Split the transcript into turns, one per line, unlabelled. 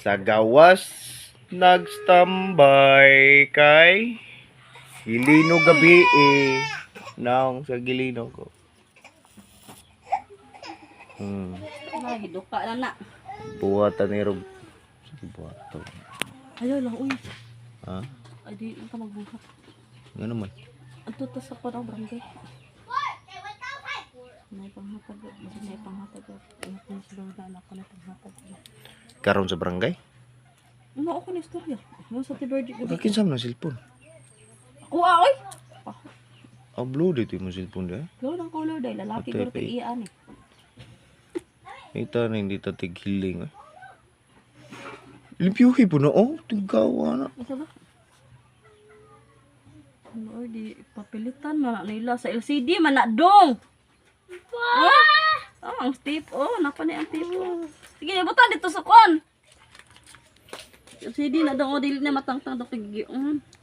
Sa gawas nagstambay kay Gilino gabi naong sa Gilino ko.
Ay, duka na na.
Buhatan ni Rob. Buhatan.
Ayaw lang, uy.
Ha?
Ay, di ka magbuhat.
Nga naman.
Ang tutos sa parang barangay. May panghatag. May panghatag. Ingat mo sila na anak ko na panghatag.
Karon sa barangay?
Ano ako na istorya? Ano sa Tiberdi?
Kakinsam na cellphone.
Ako ay!
Upload ito yung cellphone dahil.
Gawin ang color dahil lalaki ko rin iyan eh.
Ito na hindi tatig hiling. Limpiyuhi po na. Oh, tigawa na.
Asa ba? Ano or di papilitan man nila sa LCD man na dong. Oh, ang tip. Oh, napa ni ang tip. Sige, ibutan dito sa kon. LCD na dong. Oh, dili na matangtang dong tigiyon.